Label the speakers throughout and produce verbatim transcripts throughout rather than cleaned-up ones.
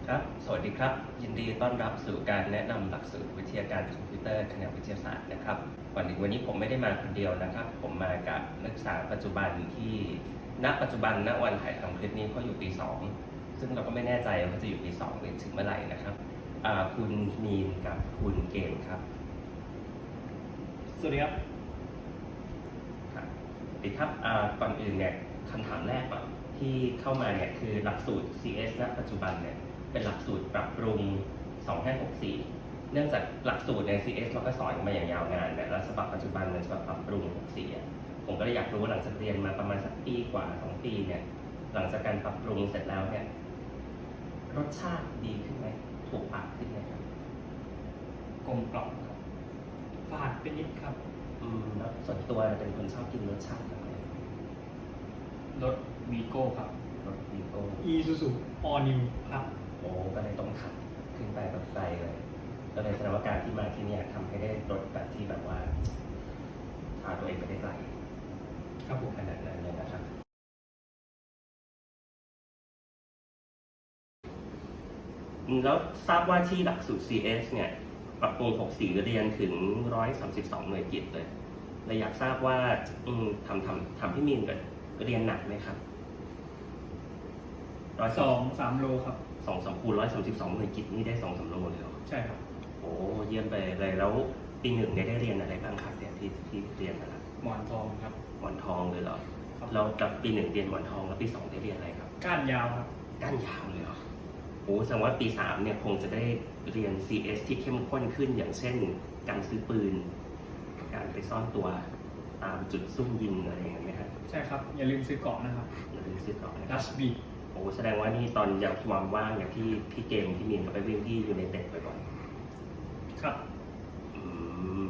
Speaker 1: ครับสวัสดีครับยินดีต้อนรับสู่การแนะนำหลักสูตรวิทยาการคอมพิวเตอร์แผนกวิทยาศาสตร์นะครับวันนี้วันนี้ผมไม่ได้มาคนเดียวนะครับ ผมมากับนักศึกษาปัจจุบันที่ณปัจจุบันณวันถ่ายทำคลิปนี้เขาอยู่ปีสองซึ่งเราก็ไม่แน่ใจว่าจะอยู่ปีสองหรือถึงเมื่อไหร่นะครับคุณมีนกับคุณเกมครับ
Speaker 2: สวัสดีครับ
Speaker 1: ครับสวัสดีครับก่อนอื่นเนี่ยคำถามแรกก่อนที่เข้ามาเนี่ยคือหลักสูตร ซี เอส ณปัจจุบันเนี่ยเป็นหลักสูตรปรับปรุงสองห้าหกสี่เนื่องจากหลักสูตรใน ซี เอส เราก็สอนมาอย่างยาวนานเนี่ยแล้วฉบับปัจจุบันเป็นฉบับปรับปรุงหกสี่ผมก็เลยอยากรู้ว่าหลังจากเรียนมาประมาณสักปีกว่าสองปีเนี่ยหลังจากการปรับปรุงเสร็จแล้วเนี่ยรสชาติดีขึ้นไหมถูกปากขึ้นไหมครับ
Speaker 2: กลมกล่อมครับฝาดเป็นนิดครับ
Speaker 1: อืมแล้วส่วนตัวเป็นคนชอบกินรสชาติแบบไหน
Speaker 2: รสวีโก้ครับ
Speaker 1: รสวีโก้
Speaker 2: อีซูซูออนิวครับ
Speaker 1: โอ้ก็เลยต้องขับขึ้นไปแบบไกลเลยก็เลยแสดงว่าการที่มาที่นี่ทำให้ได้รถแบบที่แบบว่าพาตัวเองไปได้ไกล
Speaker 2: ครับผม
Speaker 1: ขนาดนั้นเลยนะครับแล้วทราบว่าที่หลักสูตร ซี เอส เนี่ยปรับปรุงหกสี่เรียนถึงหนึ่งร้อยสามสิบสองหน่วยกิตเลยเลยอยากทราบว่าทำทำทำพี่มีนกันเรียนหนักไหมครับ
Speaker 2: ร้อยสองสามโลครับ
Speaker 1: สองสองคูณร้อยสามสิบสองหน่วยกิตนี่ได้สองสามโลเลยเหรอ
Speaker 2: ใช่ครับ
Speaker 1: โอ้เยี่ยมไปเลยแล้วปีหนึ่งได้เรียนอะไรบ้างครับเนี่ยที่ที่เรียนนะครับ
Speaker 2: หมอนทองครับ
Speaker 1: หมอนทองเลยเหรอเรากับปีหนึ่งเรียนหมอนทองแล้วปีสองได้เรียนอะไรครับ
Speaker 2: ก้านยาวครับ
Speaker 1: ก้านยาวเลยเหรอโอ้แสดงว่าปีสามเนี่ยคงจะได้เรียน ซี เอส ที่เข้มข้นขึ้นอย่างเช่นการซื้อปืนการไปซ่อนตัวตามจุดซุ่มยิงอะไรอย่างเงี้ยไหมครับ
Speaker 2: ใช่ครับอย่าลืมซื้อเกาะนะครับ
Speaker 1: อย่าลืมซื้อเกาะ
Speaker 2: ดัชบี
Speaker 1: โอ้แสดงว่านี่ตอนอยากความว่างเนี่ยพี่พี่เกมพี่มีนก็ไปวิ่งที่ยูไนเต็ดบ่อย
Speaker 2: ๆครับ
Speaker 1: อืม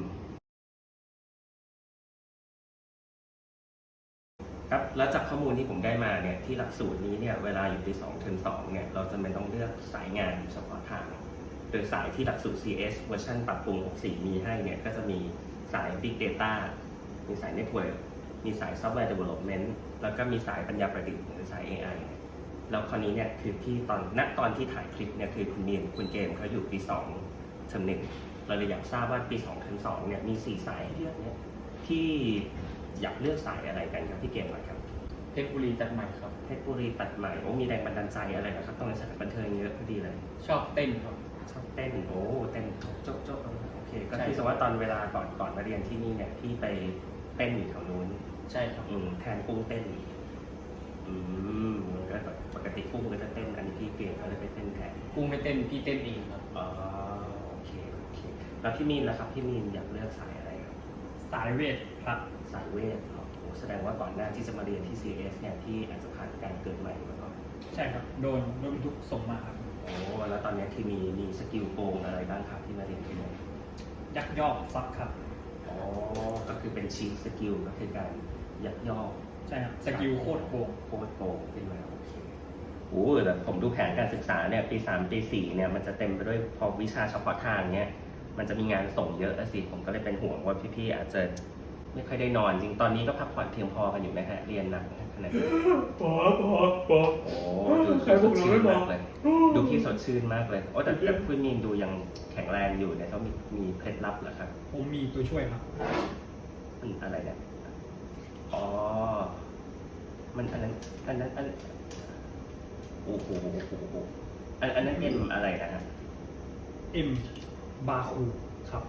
Speaker 1: ครับแล้วจากข้อมูลที่ผมได้มาเนี่ยที่หลักสูตรนี้เนี่ยเวลาอยู่ปีสองเทอมสองเนี่ยเราจะไม่ต้องเลือกสายงานเฉพาะทางโดยสายที่หลักสูตร ซี เอส เวอร์ชันปรับปรุงหกสี่มีให้เนี่ยก็จะมีสาย Big Data มีสาย Network มีสาย Software Development แล้วก็มีสายปัญญาประดิษฐ์หรือสาย เอ ไอ แล้วคราวนี้เนี่ยคือพี่ตอนณตอนที่ถ่ายคลิปเนี่ยคือคุณมีนคุณเกมเขาอยู่ปีสองเทอมหนึ่งเราเลยอยากทราบว่าปีสองเทอมสองเนี่ยมีสี่สายเลือกเนี่ยที่อยากเลือกสายอะไรกันครับพี่เกมก่อนครับ
Speaker 2: เพชรบุรีตัดใหม่ครับ
Speaker 1: เพชรบุรีตัดใหม่โอ้มีแรงบันดาลใจอะไรนะครับต้องในสถานบันเทิงเยอะพอดีเลย
Speaker 2: ชอบเต้นครับ
Speaker 1: ชอบเต้นโอ้เต้นโจ๊กโจ๊กโจ๊กโอเคก็คือว่าตอนเวลาก่อนก่อนมาเรียนที่นี่เนี่ยพี่ไปเต้นอยู่แถวนู้น
Speaker 2: ใช่ครับ
Speaker 1: แทนกุ้งเต้นอืมก็แบบปกติกุ้งก็จะเต้นอันนี้พี่เกมเขาเลยไปเต้นแทน
Speaker 2: กุ้งไม่เต้นพี่เต้นเองครับ
Speaker 1: อ๋อโอเคโอเคแล้วพี่มีนล่ะครับพี่มีนอยากเลือกสายอะไรครับ
Speaker 2: สายเวทครับ
Speaker 1: สายเวทโอ้แสดงว่าก่อนหน้าที่จะมาเรียนที่ ซี เอส เนี่ยที่อาจจะผ่านการเกิดใหม่มาก่อน
Speaker 2: ใช่ครับโดนโดนทุกส่งมาครับ
Speaker 1: โอ้แล้วตอนนี้ที่มีมีสกิลโกงอะไรบ้างครับที่มาเรียนที่นี่
Speaker 2: ยักยอกซักครับ
Speaker 1: อ๋อก็คือเป็นชีทสกิลก็คือการยักยอก
Speaker 2: ใช่ครับสกิลโคตรโกง
Speaker 1: โคตรโกงขึ้นมาโอเคโอ้แต่ผมดูแผนการศึกษาเนี่ยปีสามปีสี่เนี่ยมันจะเต็มไปด้วยพอวิชาเฉพาะทางเนี่ยมันจะมีงานส่งเยอะสิผมก็เลยเป็นห่วงว่าพี่ๆอาจจะไม่ค่อยได้นอนจริงตอนนี้ก็พักผ่อนเพียงพอกันอยู่ไหมฮะเรียนหนักขนาดนี้
Speaker 2: พอพอพอ
Speaker 1: โอ้ดูพี่สดชื่นมากเลยดูพี่สดชื่นมากเลยโอ้แต่แต่คุณมีนดูยังแข็งแรงอยู่เนี่ยเขามีมีเคล็ดลับเหรอครับ
Speaker 2: ผมมีตัวช่วยครับ
Speaker 1: มันอะไรเนี่ยอ๋อมันอันนั้นอันนั้นอันโอ้โหอันอันนั้นเอ็มอะไรนะฮะ
Speaker 2: เอ็มบาคูครับ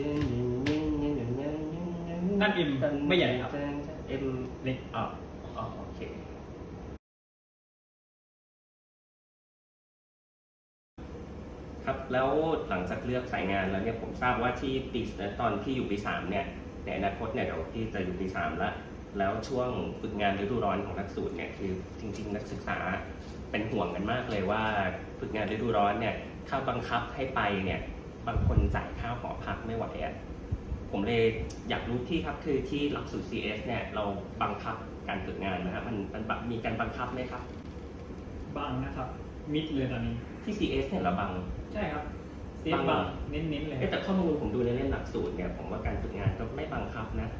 Speaker 2: นั่นเอ็มไม่ใหญ่ครับ
Speaker 1: เอ็มเล็กอ๋ออ๋อโอเคครับแล้วหลังจากเลือกสายงานแล้วเนี่ยผมทราบว่าที่ปีตอนที่อยู่ปีสามเนี่ยในอนาคตเนี่ยเดี๋ยวพี่จะอยู่ปีสามแล้วแล้วช่วงฝึกงานฤดูร้อนของหลักสูตรเนี่ยคือจริงๆนักศึกษาเป็นห่วงกันมากเลยว่าฝึกงานฤดูร้อนเนี่ยถ้าบังคับให้ไปเนี่ยบางคนจ่ายค่าหอพักไม่ไหวอ่ะผมเลยอยากรู้ที่ครับคือที่หลักสูตร ซี เอส เนี่ยเราบังคับการฝึกงานนะฮะมันมันมีการบังคับไหมครับ
Speaker 2: บังนะครับมิดเลยตอนนี้
Speaker 1: ที่ ซี เอส เนี่ยเราบัง
Speaker 2: ใช่ครับซีบังเน้นๆเลย
Speaker 1: แต่ข้อมูลผมดูในเล่มหลักสูตรเนี่ยผมว่าการฝึกงานก็ไม่บังคับนะ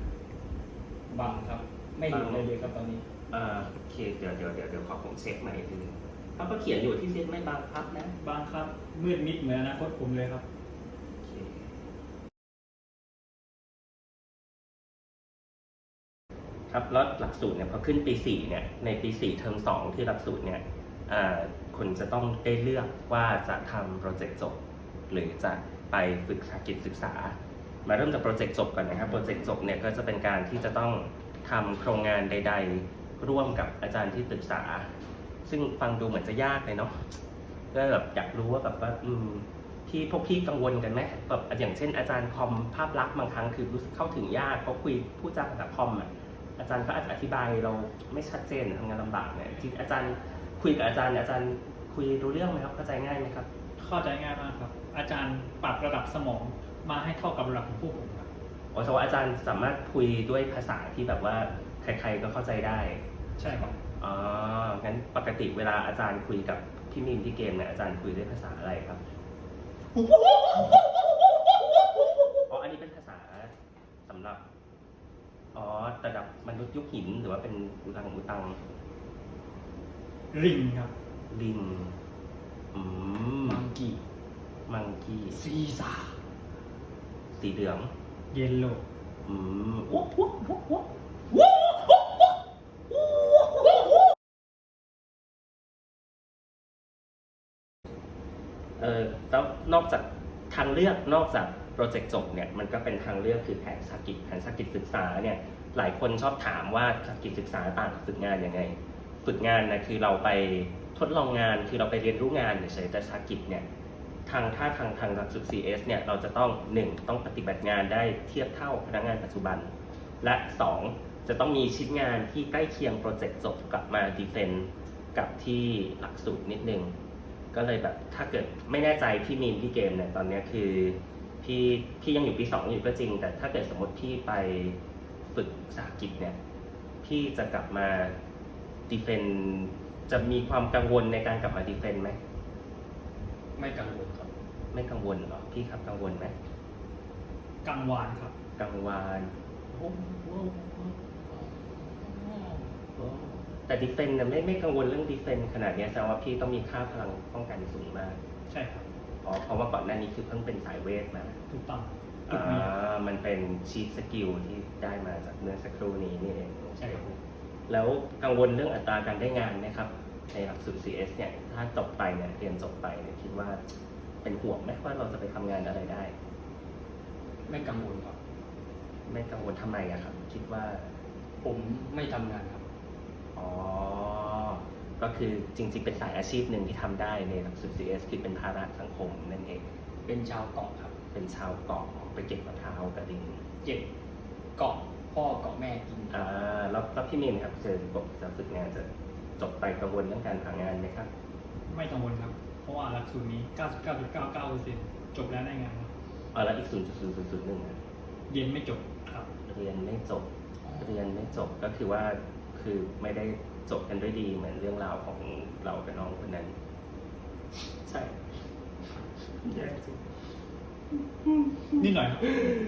Speaker 2: บังครับไม่เห็นเลยเลยครับตอนนี้
Speaker 1: อ่าโอเคเดี๋ยวเดี๋ยวเดี๋ยวเดี๋ยวขอผมเช็คใหม่ทีนึงเขาก็เขียนอยู่ที่เซตไม่บังคับนะ
Speaker 2: บางครับมืดมิดเหมือนอนาคตผมเลยครับ
Speaker 1: โอเคครับแล้วหลักสูตรเนี่ยพอขึ้นปีสี่เนี่ยในปีสี่เทอมสองที่หลักสูตรเนี่ยอ่าคุณจะต้องได้เลือกว่าจะทำโปรเจกต์จบหรือจะไปฝึกสาหกิจศึกษา มาเริ่มจากโปรเจกต์จบก่อนนะครับโปรเจกต์จบเนี่ยก็จะเป็นการที่จะต้องทำโครงงานใด ๆ ร่วมกับอาจารย์ที่ปรึกษา ซึ่งฟังดูเหมือนจะยากเลยเนาะก็แบบอยากรู้ว่าแบบว่าอืมที่พวกพี่กังวลกันไหมแบบอย่างเช่นอาจารย์คอมภาพลักษณ์บางครั้งคือรู้สึกเข้าถึงยากเขาคุยพูดจาภาษาคอมอ่ะอาจารย์ก็อาจจะอธิบายเราไม่ชัดเจนทำงานลำบากเนี่ยที่อาจารย์คุยกับอาจารย์เนี่ยอาจารย์คุยรู้เรื่องไหมครับเข้าใจง่ายไหมครับ
Speaker 2: เข้าใจง่ายมากครับ อาจารย์ปรับระดับสมองมาให้เท่ากับระดับของพวกผมครับ
Speaker 1: อ๋อแต่ว่าอาจารย์สามารถคุยด้วยภาษาที่แบบว่าใครๆก็เข้าใจได้
Speaker 2: ใช่ครับ
Speaker 1: อ๋อ งั้นปกติเวลาอาจารย์คุยกับพี่มินพี่เกมเนี่ยอาจารย์คุยด้วยภาษาอะไรครับ อ๋อ อันนี้เป็นภาษาสำหรับ อ๋อระดับมนุษย์ยุคหินหรือว่าเป็นอุตังอุตัง
Speaker 2: ริงครับ
Speaker 1: ลิง อืม
Speaker 2: มังกี้
Speaker 1: มังกี้
Speaker 2: ซีซ่า
Speaker 1: สีเหลือง
Speaker 2: เยลโล
Speaker 1: อืมวุ้บวุ้บวุ้บวุ้บวุ้บวุ้บวุ้บวุ้บวุ้บเออแล้วนอกจากทางเลือกนอกจากโปรเจกต์จบเนี่ยมันก็เป็นทางเลือกคือแผนสาหกิจแผนสาหกิจศึกษาเนี่ยหลายคนชอบถามว่าสาหกิจศึกษาต่างกับฝึกงานยังไง ฝึกงานนะคือเราไปทดลองงานคือเราไปเรียนรู้งานเฉยๆแต่สาหกิจเนี่ยทางถ้าทางทางหลักสูตร ซี เอส เนี่ยเราจะต้องหนึ่งต้องปฏิบัติงานได้เทียบเท่าพนักงานปัจจุบัน และสองจะต้องมีชิ้นงานที่ใกล้เคียงโปรเจกต์จบกลับมาดีเฟนต์กับที่หลักสูตรนิดนึงก็เลยแบบถ้าเกิดไม่แน่ใจพี่มีนพี่เกมเนี่ยตอนนี้คือพี่พี่ยังอยู่ปีสองอยู่ก็จริง แต่ถ้าเกิดสมมติพี่ไปฝึกสาหกิจเนี่ยพี่จะกลับมาดีเฟนต์จะมีความกังวลในการกลับมาดีเฟนต์ไหม
Speaker 3: ไม่กังวลครับ
Speaker 1: ไม่กังวลเหรอพี่ครับกังวลไหม
Speaker 2: กังวานครับ
Speaker 1: กังวานโอ้โหแต่ดีเฟนต์เนี่ยไม่ไม่กังวลเรื่องดีเฟนต์ขนาดเนี้ยแสดงว่าพี่ต้องมีค่าพลังป้องกันสูงมาก
Speaker 2: ใช่ครับ
Speaker 1: อ๋อเพราะว่าก่อนหน้านี้คือเพิ่งเป็นสายเวทมา
Speaker 2: ถูกต้องถูก
Speaker 1: อ่
Speaker 2: มี
Speaker 1: ามันเป็นชีทสกิลที่ได้มาจากเมื่อสักครู่นี้นี่เอง
Speaker 2: ใช่ครับ
Speaker 1: แล้วกังวลเรื่องอัตราการได้งานไหมครับในหลักสูตร ซี เอส เนี่ยถ้าจบไปเนี่ยเรียนจบไปเนี่ยคิดว่าเป็นห่วงไหมว่าเราจะไปทำงานอะไรได้
Speaker 3: ไม่กังวลครับ
Speaker 1: ไม่กังวลทำไมอะครับ คิดว่า
Speaker 3: ผมไม่ทำงานครับ
Speaker 1: อ๋อ ก็คือจริงๆ เป็นสายอาชีพหนึ่งที่ทำได้ในหลักสูตร ซี เอส คือเป็นภาระสังคมนั่นเอง
Speaker 3: เป็นชาวเกาะครับ
Speaker 1: เป็นชาวเกาะไปเก็บมะพร้าวกระดิ่ง
Speaker 3: เก็บเกาะพ่อเกาะแม่กิน
Speaker 1: อ่าแล้วแล้วพี่มินครับเจอบอกจะฝึกงานจะจบไปกังวลเรื่องการหางานไหมครับ
Speaker 2: ไม่กังวลครับ เพราะว่าหลักสูตรนี้ เก้าสิบเก้าจุดเก้าเก้าเปอร์เซ็นต์ จบแล้วได้งานครับ
Speaker 1: อ๋อแล้วอีก ศูนย์จุดศูนย์ศูนย์ศูนย์หนึ่ง
Speaker 2: เรียนไม่จบครับ
Speaker 1: เรียนไม่จบ เรียนไม่จบก็คือว่าคือไม่ได้จบกันด้วยดีเหมือนเรื่องราวของเรากับน้องคนนั้น ใช่แย่จริง
Speaker 2: นิดหน่อยครับ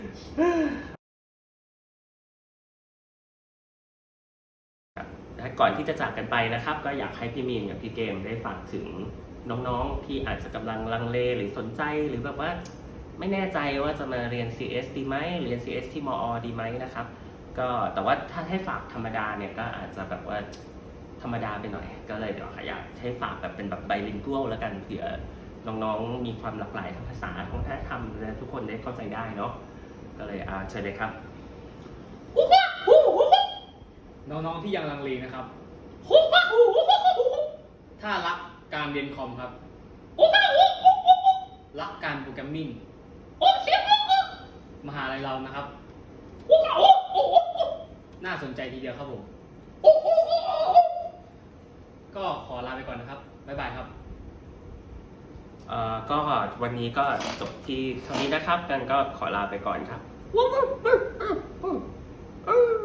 Speaker 1: และก่อนที่จะจากกันไปนะครับ ก็อยากให้พี่มีนกับพี่เกมได้ฝากถึงน้องๆที่อาจจะกำลังลังเลหรือสนใจหรือแบบว่าไม่แน่ใจว่าจะมาเรียน ซี เอส ดีไหมเรียน ซี เอส ที่มอ ดีไหมนะครับ ก็แต่ว่าถ้าให้ฝากธรรมดาเนี่ยก็อาจจะแบบว่าธรรมดาไปหน่อย ก็เลยเดี๋ยวอยากให้ฝากแบบเป็นแบบไบลิงกัวลแล้วกันเผื่อน้องๆมีความหลากหลายทางภาษาทางวัฒนธรรมและทุกคนได้เข้าใจได้เนาะก็เลยอ่าเชิญเลยครับ
Speaker 3: น้องๆที่ยังลังเลนะครับ ถ้ารักการเรียนคอมครับ รักการโปรแกรมมิ่งมหาลัยเรานะครับ น่าสนใจทีเดียวครับผม ก็ขอลาไปก่อนนะครับ บ๊ายบายครับ
Speaker 1: เอ่อก็วันนี้ก็จบที่เท่านี้นะครับกันก็ขอลาไปก่อนครับ